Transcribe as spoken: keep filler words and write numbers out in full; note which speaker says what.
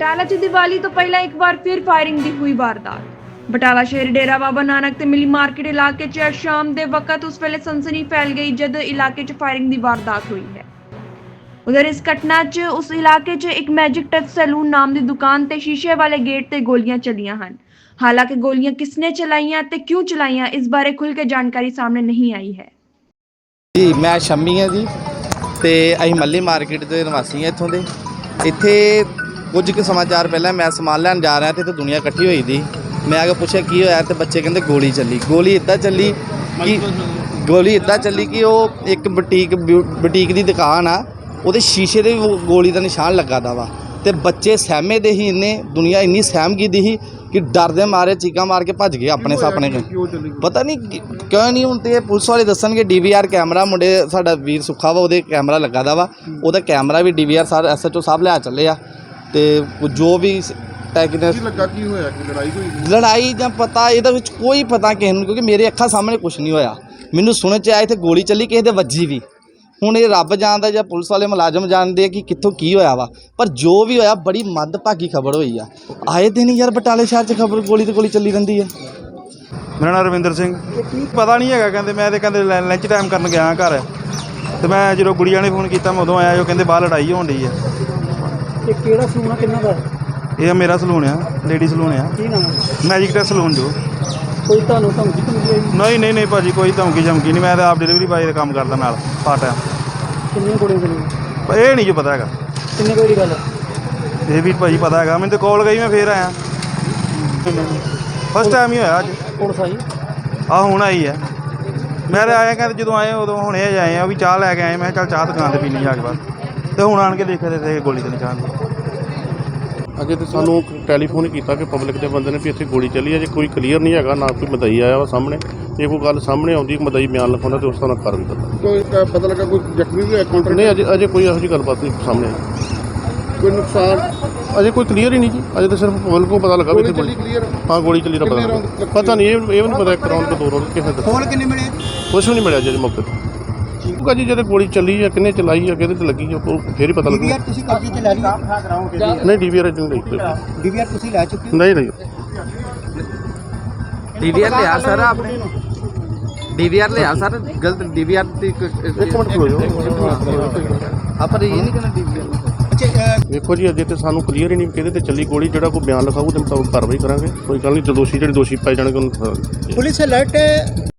Speaker 1: ਬਟਾਲਾ 'ਚ ਦੀਵਾਲੀ ਤੋਂ ਪਹਿਲਾਂ ਇੱਕ ਵਾਰ ਫਿਰ ਫਾਇਰਿੰਗ ਦੀ ਹੋਈ ਵਾਰਦਾਤ। ਬਟਾਲਾ ਸ਼ਹਿਰ ਡੇਰਾ ਬਾਬਾ ਨਾਨਕ ਤੇ ਮਿਲੀ ਮਾਰਕੀਟ ਇਲਾਕੇ 'ਚ ਸ਼ਾਮ ਦੇ ਵਕਤ ਉਸ ਵੇਲੇ ਸਨਸਨੀ ਫੈਲ ਗਈ ਜਦ ਇਲਾਕੇ 'ਚ ਫਾਇਰਿੰਗ ਦੀ ਵਾਰਦਾਤ ਹੋਈ ਹੈ। ਉਧਰ ਇਸ ਘਟਨਾ 'ਚ ਉਸ ਇਲਾਕੇ 'ਚ ਇੱਕ ਮੈਜਿਕ ਟੱਚ ਸੈਲੂਨ ਨਾਮ ਦੀ ਦੁਕਾਨ ਤੇ ਸ਼ੀਸ਼ੇ ਵਾਲੇ ਗੇਟ ਤੇ ਗੋਲੀਆਂ ਚੱਲੀਆਂ ਹਨ। ਹਾਲਾਂਕਿ ਗੋਲੀਆਂ ਕਿਸਨੇ ਚਲਾਈਆਂ ਤੇ ਕਿਉਂ ਚਲਾਈਆਂ ਇਸ ਬਾਰੇ ਖੁੱਲ੍ਹ ਕੇ ਜਾਣਕਾਰੀ ਸਾਹਮਣੇ ਨਹੀਂ ਆਈ ਹੈ।
Speaker 2: ਜੀ ਮੈਂ ਸ਼ੰਮੀ ਹਾਂ ਜੀ ਤੇ ਅਸੀਂ ਮੱਲੀ ਮਾਰਕੀਟ ਦੇ ਨਿਵਾਸੀ ਹਾਂ ਇੱਥੋਂ ਦੇ। ਇੱਥੇ ਕੁਝ ਕੁ ਸਮਾਚਾਰ ਪਹਿਲਾਂ ਮੈਂ ਸਮਾਨ ਲੈਣ ਜਾ ਰਿਹਾ ਤੇ ਇੱਥੇ ਦੁਨੀਆ ਇਕੱਠੀ ਹੋਈ ਦੀ। ਮੈਂ ਆ ਕੇ ਪੁੱਛਿਆ ਕੀ ਹੋਇਆ ਤੇ ਬੱਚੇ ਕਹਿੰਦੇ ਗੋਲੀ ਚੱਲੀ। ਗੋਲੀ ਇੱਦਾਂ ਚੱਲੀ ਕਿ ਗੋਲੀ ਇੱਦਾਂ ਚੱਲੀ ਕਿ ਉਹ ਇੱਕ ਬੁਟੀਕ ਬੁਟੀਕ ਦੀ ਦੁਕਾਨ ਆ, ਉਹਦੇ ਸ਼ੀਸ਼ੇ ਦੇ ਵੀ ਗੋਲੀ ਦਾ ਨਿਸ਼ਾਨ ਲੱਗਾ ਦਾ ਵਾ ਤੇ ਬੱਚੇ ਸਹਿਮੇ ਦੇ ਹੀ ਇੰਨੇ, ਦੁਨੀਆ ਇੰਨੀ ਸਹਿਮ ਗਈ ਦੀ ਸੀ ਕਿ ਡਰ ਦੇ ਮਾਰੇ ਚੀਕਾਂ ਮਾਰ ਕੇ ਭੱਜ ਗਏ ਆਪਣੇ ਸਾਹਮਣੇ। ਪਤਾ ਨਹੀਂ ਕਿਉਂ ਨਹੀਂ। ਹੁਣ ਤੇ ਪੁਲਿਸ ਵਾਲੇ ਦੱਸਣਗੇ ਡੀ ਵੀ ਆਰ ਕੈਮਰਾ, ਮੁੰਡੇ ਸਾਡਾ ਵੀਰ ਸੁੱਖਾ ਵਾ ਉਹਦੇ ਕੈਮਰਾ ਲੱਗਾ ਦਾ ਵਾ, ਉਹਦਾ ਕੈਮਰਾ ਵੀ D V R sir S H O ਸਾਹਿਬ ਲੈ ਚੱਲੇ ਆ ਤੇ ਜੋ ਵੀ ਟੈਕਨਿਕ
Speaker 3: ਲੱਗਾ ਕੀ ਹੋਇਆ ਕਿ ਲੜਾਈ ਹੋਈ
Speaker 2: ਲੜਾਈ ਜਾਂ ਪਤਾ ਇਹਦੇ ਵਿੱਚ ਕੋਈ ਪਤਾ ਕਿਸੇ ਨੂੰ, ਕਿਉਂਕਿ ਮੇਰੇ ਅੱਖਾਂ ਸਾਹਮਣੇ ਕੁਝ ਨਹੀਂ ਹੋਇਆ। ਮੈਨੂੰ ਸੁਣਨ 'ਚ ਆਇਆ ਇੱਥੇ ਗੋਲੀ ਚੱਲੀ, ਕਿਸੇ ਦੇ ਵੱਜੀ ਵੀ। ਹੁਣ ਇਹ ਰੱਬ ਜਾਣਦਾ ਜਾਂ ਪੁਲਿਸ ਵਾਲੇ ਮੁਲਾਜ਼ਮ ਜਾਣਦੇ ਆ ਕਿ ਕਿੱਥੋਂ ਕੀ ਹੋਇਆ ਵਾ, ਪਰ ਜੋ ਵੀ ਹੋਇਆ ਬੜੀ ਮੰਦਭਾਗੀ ਖਬਰ ਹੋਈ ਆ। ਆਏ ਦਿਨ ਯਾਰ ਬਟਾਲੇ ਸ਼ਹਿਰ 'ਚ ਖਬਰ ਗੋਲੀ ਤੇ ਗੋਲੀ ਚੱਲੀ ਰਹਿੰਦੀ ਹੈ।
Speaker 4: ਮੇਰਾ ਨਾਮ ਰਵਿੰਦਰ ਸਿੰਘ। ਪਤਾ ਨਹੀਂ ਹੈਗਾ, ਕਹਿੰਦੇ ਮੈਂ ਤੇ ਕਹਿੰਦੇ ਲੰਚ ਟਾਈਮ ਕਰਨ ਗਿਆ ਘਰ ਤੇ ਮੈਂ ਜਦੋਂ ਗੁੜੀਆ ਨੇ ਫੋਨ ਕੀਤਾ ਮੈਂ ਉਦੋਂ ਆਇਆ। ਉਹ ਕਹਿੰਦੇ ਬਾਹਰ ਲੜਾਈ ਹੋਣ ਡਈ ਹੈ।
Speaker 5: ਇਹ ਕਿਹੜਾ ਸਲੂਨ ਆ, ਕਿੰਨਾ ਦਾ?
Speaker 4: ਇਹ ਮੇਰਾ ਸਲੂਨ ਆ, ਲੇਡੀ ਸਲੂਨ ਆ,
Speaker 5: ਕੀ ਨਾਮ?
Speaker 4: ਮੈਜਿਕ ਟੈਸ ਸਲੂਨ ਜੋ।
Speaker 5: ਕੋਈ ਤੁਹਾਨੂੰ ਧਮਕੀ ਧਮਕੀ ਆਈ?
Speaker 4: ਨਹੀਂ ਨਹੀਂ ਨਹੀਂ ਭਾਜੀ, ਕੋਈ ਧਮਕੀ ਧਮਕੀ ਨਹੀਂ। ਮੈਂ ਤਾਂ ਆਪ ਡਿਲੀਵਰੀ ਬਾਏ ਦਾ ਕੰਮ ਕਰਦਾ ਨਾਲ ਪਾਰਟ ਟਾਈਮ।
Speaker 5: ਕਿੰਨੀਆਂ ਕੁੜੀਆਂ ਚੱਲੀਆਂ?
Speaker 4: ਇਹ ਨਹੀਂ ਜੋ ਪਤਾ ਹੈਗਾ।
Speaker 5: ਕਿੰਨੇ ਕੋਈ ਦੀ ਗੱਲ?
Speaker 4: ਇਹ ਵੀ ਭਾਜੀ ਪਤਾ ਹੈਗਾ, ਮੈਨੂੰ ਤਾਂ ਕਾਲ ਗਈ, ਮੈਂ ਫੇਰ ਆਇਆ। ਫਸਟ ਟਾਈਮ ਹੀ ਹੋਇਆ ਅੱਜ।
Speaker 5: ਪੁਲਿਸ ਆਈ?
Speaker 4: ਆਹ ਹੁਣ ਆਈ ਹੈ। ਮੈਂ ਤਾਂ ਆਇਆ ਕਹਿੰਦੇ ਜਦੋਂ ਆਏ ਉਦੋਂ ਹੁਣੇ ਆਏ ਆ ਵੀ ਚਾਹ ਲੈ ਕੇ ਆਏ। ਮੈਂ ਕਿਹਾ ਚੱਲ ਚਾਹ ਦੁਕਾਨ 'ਤੇ ਪੀਣੀ ਜਾ ਕੇ ਬਾਅਦ ਤੇ ਹੁਣ ਆਣ ਕੇ ਦੇਖਿਆ ਤੇ ਗੋਲੀ ਤੇ ਨਿਸ਼ਾਨ ਸੀ।
Speaker 3: ਅਜੇ ਤੇ ਸਾਨੂੰ ਟੈਲੀਫੋਨ ਕੀਤਾ ਕਿ ਪਬਲਿਕ ਦੇ ਬੰਦੇ ਨੇ ਵੀ ਇੱਥੇ ਗੋਲੀ ਚੱਲੀ ਹੈ। ਜੇ ਕੋਈ ਕਲੀਅਰ ਨਹੀਂ ਹੈਗਾ, ਨਾ ਕੋਈ ਮਦਈ ਆਇਆ ਵਾ ਸਾਹਮਣੇ। ਜੇ ਕੋਈ ਗੱਲ ਸਾਹਮਣੇ ਆਉਂਦੀ ਮਦਈ ਬਿਆਨ ਲਿਖਾਉਂਦਾ ਤੇ ਉਸ ਤਰ੍ਹਾਂ ਕਰ ਵੀ ਦਿੰਦਾ। ਕੋਈ ਪਤਾ ਲੱਗਾ ਕੋਈ ਜ਼ਖਮੀ ਵੀ ਕਾਊਂਟਰ ਨਹੀਂ? ਅਜੇ ਅਜੇ ਕੋਈ ਇਹੋ ਜਿਹੀ ਗੱਲਬਾਤ ਨਹੀਂ ਸਾਹਮਣੇ ਆਈ। ਕੋਈ ਨੁਕਸਾਨ ਅਜੇ ਕੋਈ ਕਲੀਅਰ ਹੀ ਨਹੀਂ ਜੀ। ਅਜੇ ਤਾਂ ਸਿਰਫ ਪਬਲਿਕ ਨੂੰ ਪਤਾ ਲੱਗਾ ਵੀ ਇੱਥੇ ਗੋਲੀ ਕਲੀਅਰ। ਹਾਂ ਗੋਲੀ ਚੱਲੀ ਦਾ ਪਤਾ ਪਤਾ ਨਹੀਂ। ਇਹ ਇਹ ਵੀ ਨਹੀਂ ਪਤਾ ਇੱਕ ਰਾਊਂਡ ਤੋਂ ਦੋ ਰਾਊਂਡ ਕਿਸੇ ਦਾ।
Speaker 5: ਕੋਲ ਕਿੰਨੇ ਮਿਲੇ?
Speaker 3: ਕੁਛ ਵੀ ਨਹੀਂ ਮਿਲਿਆ ਜੀ ਮੌਕੇ ਤੇ। ਠੀਕ ਆ ਜੀ, ਜਦੋਂ ਗੋਲੀ ਚੱਲੀ ਆ ਕਿੰਨੇ ਚਲਾਈ ਆ ਕਿਹਦੇ ਤੇ ਲੱਗੀ ਆ ਉਹ ਫੇਰ ਹੀ ਪਤਾ ਲੱਗੂ।
Speaker 5: ਡੀਵੀਆਰ ਤੁਸੀਂ ਕਬਜ਼ੇ 'ਚ ਲੈ ਲਈ?
Speaker 3: ਨਹੀਂ ਡੀ ਵੀ ਆਰ ਨਹੀਂ ਲਈ।
Speaker 5: ਡੀਵੀਆਰ ਤੁਸੀਂ ਲੈ ਚੁੱਕੇ ਹੋ?
Speaker 3: ਨਹੀਂ ਨਹੀਂ
Speaker 2: ਡੀ ਵੀ ਆਰ ਲਿਆ ਸਰ ਆਪਨੇ? ਡੀ ਵੀ ਆਰ ਲਿਆ ਸਰ? ਗਲਤ ਡੀ ਵੀ ਆਰ ਦੀ
Speaker 3: ਇੱਕ ਮਿੰਟ ਖਲੋ ਜਾਓ।
Speaker 2: ਆਪਾਂ ਇਹ ਨਹੀਂ ਕਹਿੰਦੇ ਡੀ ਵੀ ਆਰ।
Speaker 3: ਵੇਖੋ ਜੀ, ਅਜੇ ਤੇ ਸਾਨੂੰ ਕਲੀਅਰ ਹੀ ਨਹੀਂ ਕਿਹਦੇ ਤੇ ਚੱਲੀ ਗੋਲੀ। ਜਿਹੜਾ ਕੋਈ ਬਿਆਨ ਲਿਖਾਊ ਤੇ ਮੁਤਾਬਕ ਕਾਰਵਾਈ ਕਰਾਂਗੇ। ਕੋਈ ਗੱਲ ਨਹੀਂ, ਦੋਸ਼ੀ ਜਿਹੜੇ ਦੋਸ਼ੀ ਪਾਏ ਜਾਣਗੇ ਉਹਨੂੰ
Speaker 5: ਪੁਲਿਸ ਅਲਰਟ